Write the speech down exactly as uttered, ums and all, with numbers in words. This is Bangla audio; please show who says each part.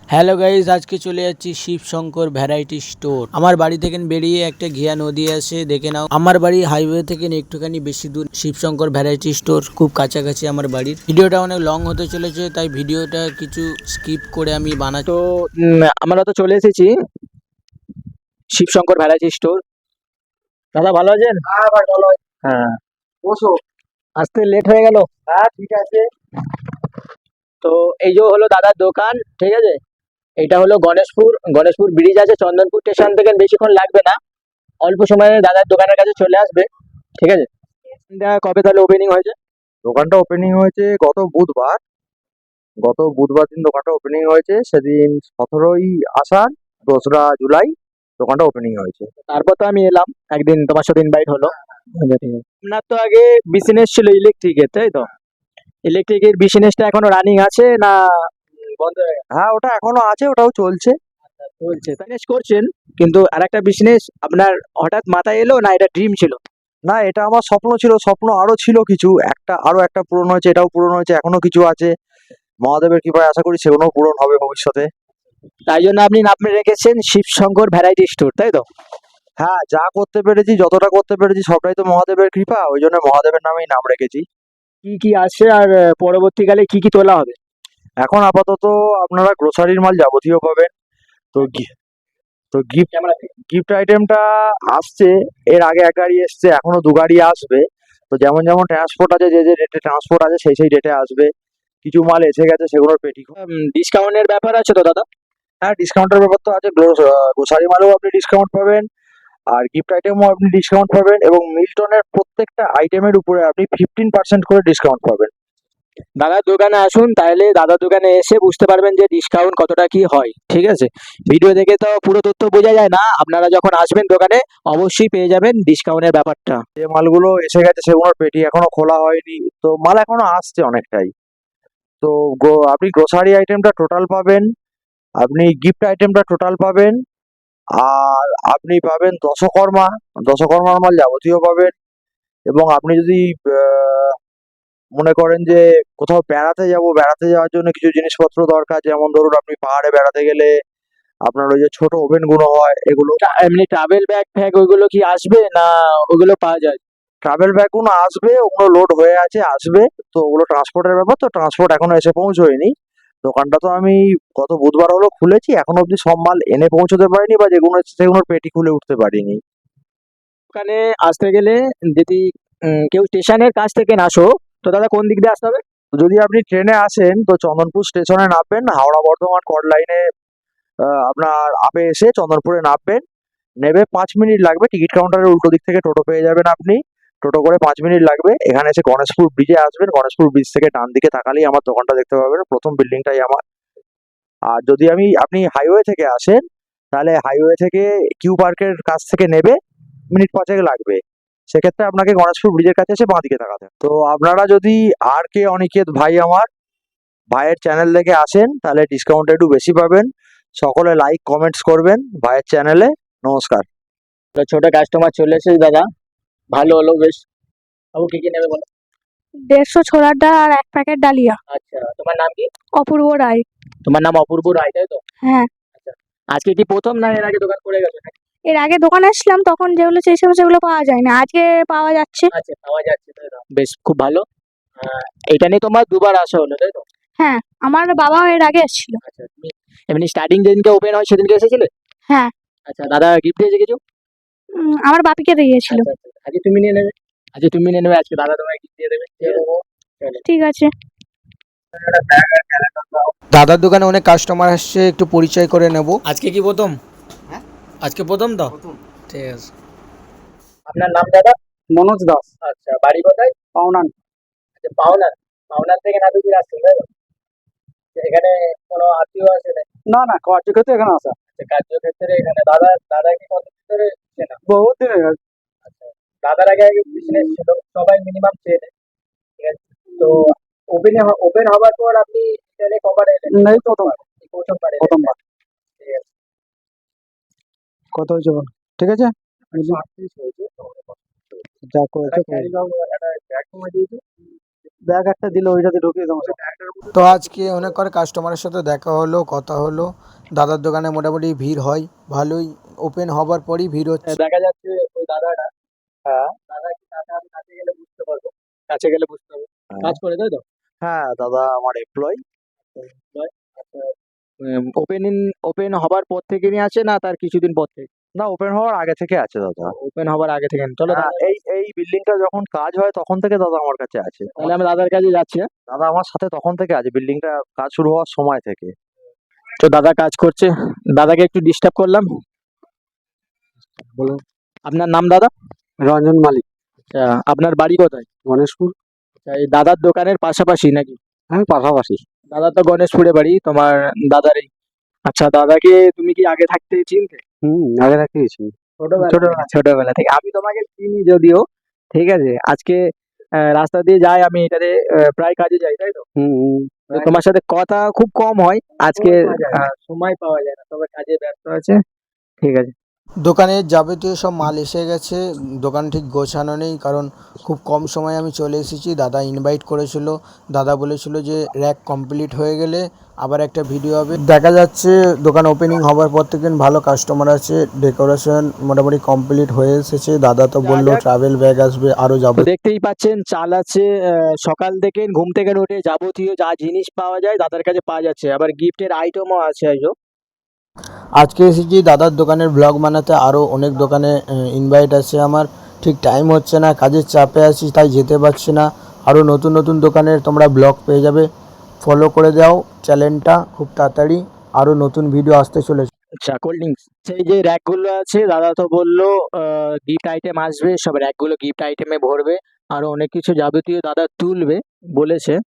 Speaker 1: হ্যালো গাইজ, আজকে চলে যাচ্ছি শিবশঙ্কর ভ্যারাইটি স্টোর। আমার বাড়ি থেকে বেরিয়ে একটা ঘিয়া নদী আছে, দেখে নাও। আমার বাড়ি হাইওয়ে থেকে একটুখানি বেশি দূর। শিবশঙ্কর ভ্যারাইটি স্টোর খুব কাছাকাছি আমার বাড়ির। ভিডিওটা অনেক লং হতে চলেছে, তাই ভিডিওটা কিছু স্কিপ করে আমি বানাই। তো উম, আমরা তো চলে এসেছি শিবশঙ্কর ভ্যারাইটি স্টোর। দাদা ভালো আছেন?
Speaker 2: হ্যাঁ ভাই ভালো আছি।
Speaker 1: হ্যাঁ,
Speaker 2: বসো।
Speaker 1: আসতে লেট হয়ে গেল।
Speaker 2: হ্যাঁ ঠিক আছে।
Speaker 1: তো এই যে হলো দাদার দোকান, ঠিক আছে। এটা হলো গণেশপুর গণেশপুর ব্রিজ আছে, চন্দনপুর স্টেশন থেকে বেশিক্ষণ লাগবে না, অল্প সময়ে দাদার দোকানের কাছে চলে আসবে, ঠিক আছে। এটা কবে তাহলে ওপেনিং হয়েছে?
Speaker 2: দোকানটা ওপেনিং হয়েছে গত বুধবার। গত বুধবার দিন দোকানটা ওপেনিং হয়েছে। সেদিন সতেরোই আষাঢ়, দোসরা জুলাই দোকানটা ওপেনিং হয়েছে।
Speaker 1: তারপর তো আমি এলাম একদিন, তোমার সাথে ইনভাইট হলো। আচ্ছা, ঠিক আছে। আপনার তো আগে বিজনেস ছিল ইলেকট্রিকের, তাই তো? ইলেকট্রিকের বিজনেসটা এখনো রানিং আছে না উম, বন্ধ হয়ে গেছে?
Speaker 2: হ্যাঁ ওটা এখনো আছে, ওটাও চলছে।
Speaker 1: চলছে, বিজনেস করছেন, কিন্তু আরেকটা বিজনেস আপনার হঠাৎ মাথায় এলো না, এটা ড্রিম ছিল?
Speaker 2: না, এটা আমার স্বপ্ন ছিল। স্বপ্ন আরো ছিল কিছু, একটা আরো একটা পূরণ হয়েছে, এটাও পূরণ হয়েছে, এখনো কিছু আছে। মহাদেবের কৃপায় আশা করি সেগুলোও পূরণ হবে ভবিষ্যতে।
Speaker 1: তাই জন্য আপনি নাম রেখেছেন শিবশঙ্কর ভ্যারাইটি স্টোর, তাই তো?
Speaker 2: হ্যাঁ, যা করতে পেরেছি, যতটা করতে পেরেছি সবটাই তো মহাদেবের কৃপা, ওই জন্য মহাদেবের নামেই নাম রেখেছি।
Speaker 1: কি কি আছে আর আহ, পরবর্তীকালে কি কি তোলা হবে?
Speaker 2: এখন আপাতত আপনারা গ্রোসারির মাল যাবতীয় পাবেন। তো গি- তো গিফট
Speaker 1: ক্যামেরা থেকে।
Speaker 2: গিফট আইটেমটা আসছে। এর আগে এক গাড়ি এসছে, এখনো দু গাড়ি আসবে। তো যেমন যেমন ট্রান্সপোর্ট আছে, যে যে রেটে ট্রান্সপোর্ট আছে সেই সেই রেটে আসবে। কিছু মাল এসে গেছে, সেগুলোর পেটি।
Speaker 1: ডিসকাউন্টের ব্যাপার আছে তো দাদা?
Speaker 2: হ্যাঁ, ডিসকাউন্টের ব্যাপার তো আছে। গ্রোসারি মালেও আপনি ডিসকাউন্ট পাবেন, আর গিফট আইটেমও আপনি ডিসকাউন্ট পাবেন, এবং মিল্টনের প্রত্যেকটা আইটেমের উপরে আপনি ফিফটিন পার্সেন্ট করে ডিসকাউন্ট পাবেন।
Speaker 1: দাদার দোকানে আসুন, তাহলে দাদার দোকানে এসে বুঝতে পারবেন যে ডিসকাউন্ট কতটা কি হয়, ঠিক আছে। ভিডিও দেখে তো পুরো তথ্য বোঝা যায় না, আপনারা যখন আসবেন দোকানে অবশ্যই পেয়ে যাবেন ডিসকাউন্টের ব্যাপারটা।
Speaker 2: যে মালগুলো এসে গেছে সেগুলোর পেটি এখনো খোলা হয়নি, তো মাল এখনো আসছে অনেকটাই। তো গো- আপনি গ্রোসারি আইটেমটা টোটাল পাবেন, আপনি গিফট আইটেমটা টোটাল পাবেন, আর আপনি পাবেন দশকর্মা। দশকর্মার মাল যাবতীয় পাবেন। এবং আপনি যদি আহ, মনে করেন যে কোথাও বেড়াতে যাব, বেড়াতে যাওয়ার জন্য কিছু জিনিসপত্র দরকার, যেমন ধরুন আপনি পাহাড়ে বেড়াতে গেলে আপনার ওই যে ছোট ওভেন গুলো হয়, এগুলো।
Speaker 1: টা- এমনি ট্রাভেল ব্যাগ ফ্যাগ ওইগুলো কি আসবে না ওগুলো পাওয়া যায়?
Speaker 2: ট্রাভেল ব্যাগ গুলো আসবে, ওগুলো লোড হয়ে আছে, আসবে। তো ওগুলো ট্রান্সপোর্টের ব্যাপার, তো ট্রান্সপোর্ট এখনো এসে পৌঁছয়নি। দোকানটা তো আমি গত বুধবার হলো খুলেছি, এখনো অব্দি সব মাল এনে পৌঁছতে পারিনি, বা যেগুলো এসেছে সেগুলোর পেটি খুলে উঠতে পারিনি।
Speaker 1: ওখানে আসতে গেলে যদি উম, কেউ স্টেশনের কাছ থেকে না আসো, তো দাদা কোন দিক দিয়ে আসতে হবে?
Speaker 2: তো যদি আপনি ট্রেনে আসেন তো চন্দনপুর স্টেশনে নামবেন, হাওড়া বর্ধমান কট লাইনে আপনার আপে এসে চন্দনপুরে নামবেন। নেবে পাঁচ মিনিট লাগবে, টিকিট কাউন্টারের উল্টো দিক থেকে টোটো পেয়ে যাবেন আপনি। টোটো করে পাঁচ মিনিট লাগবে। এখানে এসে গণেশপুর ব্রিজে আসবেন, গণেশপুর ব্রিজ থেকে ডান দিকে তাকালেই আমার দোকানটা দেখতে পাবেন, প্রথম বিল্ডিংটাই আমার। আর যদি আমি আপনি হাইওয়ে থেকে আসেন, তাহলে হাইওয়ে থেকে কিউ পার্কের কাছ থেকে নেবে মিনিট পাঁচেক লাগবে। সেক্ষেত্রে আপনাকে গণেশপুর ব্রিজের কাছে এসে বাঁ দিকে তাকাতে হবে। তো আপনারা যদি আর কে অনিকেত ভাই আমার ভাইয়ের চ্যানেল থেকে আসেন, তাহলে ডিসকাউন্ট একটু বেশি পাবেন। সকলে লাইক কমেন্টস করবেন ভাইয়ের চ্যানেলে। নমস্কার।
Speaker 1: তো ছোট কাস্টমার চলে এসেছে দাদা, ভালো হলো বেশ। বাবু কি কি নেবে বলো?
Speaker 3: দেড়শো ছোলার ডাল আর এক প্যাকেট ডালিয়া।
Speaker 1: আচ্ছা, তোমার নাম কি?
Speaker 3: অপূর্ব রায়।
Speaker 1: তোমার নাম অপূর্ব রায়, তাই তো?
Speaker 3: হ্যাঁ,
Speaker 1: আচ্ছা, আজকে কি প্রথম না এর আগে দোকান করে গেছো নাকি?
Speaker 3: এর আগে দোকানে আসলাম তখন যেগুলো চেয়েছিলাম সেগুলো পাওয়া যায় না, আজকে পাওয়া যাচ্ছে।
Speaker 1: আচ্ছা, পাওয়া যাচ্ছে, তাই তো? বেশ, খুব ভালো। আহ, এটা নিয়ে তোমার দুবার আসা হলো, তাই তো?
Speaker 3: হ্যাঁ, আমার বাবাও এর আগে এসেছিল।
Speaker 1: আচ্ছা, তুমি এমনি স্টার্টিং যেদিনকে ওপেন হয় সেদিনকে এসেছিলে?
Speaker 3: হ্যাঁ।
Speaker 1: আচ্ছা, দাদা গিফট দিয়েছে কিছু?
Speaker 3: উম, আমার বাপিকে দিয়েছিল।
Speaker 1: আচ্ছা, আচ্ছা, আজকে তুমি নিয়ে নেবে। আজকে তুমি নিয়ে নেবে, আজকে দাদা তোমায় গিফট দিয়ে দেবে, ঠিক আছে? চলো।
Speaker 3: ঠিক আছে।
Speaker 1: দাদার দোকানে অনেক কাস্টমার আসছে, একটু পরিচয় করে নেব। আজকে কি প্রথম? হ্যাঁ, আজকে প্রথম তো? ঠিক আছে। আপনার নাম দাদা?
Speaker 2: মনোজ দাস,
Speaker 1: আচ্ছা, বাড়ি কোথায়?
Speaker 2: পাওনান।
Speaker 1: আচ্ছা, পাওনার। পাওনার থেকে নাদুপুর আসছেন, তাই তো? আচ্ছা, এখানে কোনো আত্মীয় আছে নাকি?
Speaker 2: না না, কার্যক্ষেত্রে এখানে আসা
Speaker 1: আচ্ছা, কার্যক্ষেত্রে এখানে দাদা দাদা কি কত ধরে চেনা?
Speaker 2: বহুত দিনের।
Speaker 1: আচ্ছা, দাদার আগে আগে বিজনেস ছিল, সবাই মিনিমাম চেনে, ঠিক আছে। তো ওপেন ওপেন হওয়ার পর আপনি চ্যানেলে কবার এলেন?
Speaker 2: নেই, প্রথমবার।
Speaker 1: এই প্রথমবার এলেন?
Speaker 2: প্রথমবার।
Speaker 1: ঠিক আছে।
Speaker 2: কত হয়েছে বল? ঠিক আছে,
Speaker 1: একশো আটত্রিশ হয়েছে।
Speaker 2: যা করেছে
Speaker 1: একটা ক্যারি ব্যাগ একটা ব্যাগ কমে দিয়েছে।
Speaker 2: ব্যাগ একটা দিলে ওইটাতে ঢুকিয়ে দেবো।
Speaker 1: তো আজকে অনেক করে কাস্টমারের সাথে দেখা হলো, কথা হলো। দাদার দোকানে মোটামুটি ভিড় হয় ভালোই, ওপেন হবার পরই ভিড় হচ্ছে। দেখা যাচ্ছে ওই দাদাটা,
Speaker 2: হ্যাঁ
Speaker 1: দাদা কি দাদা আমি কাছে গেলে বুঝতে পারবো, কাছে গেলে বুঝতে পারবো কাজ করে, তাই তো?
Speaker 2: হ্যাঁ দাদা আমার এমপ্লয়।
Speaker 1: ওপেনিং ওপেন হবার পর থেকে নিয়ে আছে না তার কিছুদিন পর থেকে?
Speaker 2: না, ওপেন হওয়ার আগে থেকে আছে দাদা।
Speaker 1: ওপেন হবার আগে থেকে। চলো
Speaker 2: হ্যাঁ,
Speaker 1: দাদা,
Speaker 2: এই এই বিল্ডিংটা যখন কাজ হয় তখন থেকে দাদা আমার কাছে আছে।
Speaker 1: তাহলে আমি দাদার কাছে যাচ্ছি। হ্যাঁ?
Speaker 2: দাদা আমার সাথে তখন থেকে আছে, বিল্ডিংটা কাজ শুরু হওয়ার সময় থেকে।
Speaker 1: তো দাদা কাজ করছে, দাদাকে একটু ডিস্টার্ব করলাম। বলুন, আপনার নাম দাদা?
Speaker 2: রঞ্জন মালিক,
Speaker 1: আচ্ছা, আপনার বাড়ি কোথায়?
Speaker 2: গণেশপুর।
Speaker 1: আচ্ছা, এই দাদার দোকানের পাশাপাশি নাকি?
Speaker 2: হ্যাঁ পাশাপাশি।
Speaker 1: দাদা তো গণেশপুরে বাড়ি, তোমার দাদারই। আচ্ছা, দাদাকে তুমি কি আগে থাকতে চিনতে?
Speaker 2: হুম, আগে রাখিয়েছি।
Speaker 1: ছোটবেলা ছোটবেলা ছোটবেলা থেকে আমি তোমাকে চিনি যদিও, ঠিক আছে। আজকে আহ, রাস্তা দিয়ে যাই আমি, এটাতে আহ, প্রায় কাজে যাই, তাই তো?
Speaker 2: হুম হুম।
Speaker 1: তো তোমার সাথে কথা খুব কম হয় আজকে, আহ, সময় পাওয়া যায় না, তবে কাজে ব্যস্ত আছে। ঠিক আছে। দোকানের যাবতীয় সব মাল এসে গেছে, দোকান ঠিক গোছানো নেই, কারণ খুব কম সময়ে আমি চলে এসেছি। দাদা ইনভাইট করেছিল, দাদা বলেছিল যে র্যাক কমপ্লিট হয়ে গেলে আবার একটা ভিডিও হবে। দেখা যাচ্ছে দোকান ওপেনিং হবার পর থেকে ভালো কাস্টমার আছে, ডেকোরেশন মোটামুটি কমপ্লিট হয়ে এসেছে। দাদা তো বললো ট্রাভেল ব্যাগ আসবে, আরও যাবো। দেখতেই পাচ্ছেন চাল আছে, আহ, সকাল থেকে ঘুম থেকে উঠে যাবতীয় যা জিনিস পাওয়া যায় দাদার কাছে পাওয়া যাচ্ছে, আবার গিফটের আইটেমও আছে। আইজো আজকে এসেছি দাদার দোকানের ব্লগ বানাতে, আরও অনেক দোকানে ইনভাইট আছে আমার, ঠিক টাইম হচ্ছে না, কাজের চাপে আছি তাই যেতে পারছি না। আরও নতুন নতুন দোকানের তোমরা ব্লগ পেয়ে যাবে, ফলো করে দাও চ্যানেলটা, খুব তাড়াতাড়ি আরও নতুন ভিডিও আসতে চলেছে। আচ্ছা, কোল্ড ড্রিঙ্কস, সেই যে র্যাকগুলো আছে দাদা তো বললো গিফট আইটেম আসবে, সব র্যাকগুলো গিফট আইটেমে ভরবে, আরও অনেক কিছু যাবতীয় দাদা তুলবে বলেছে।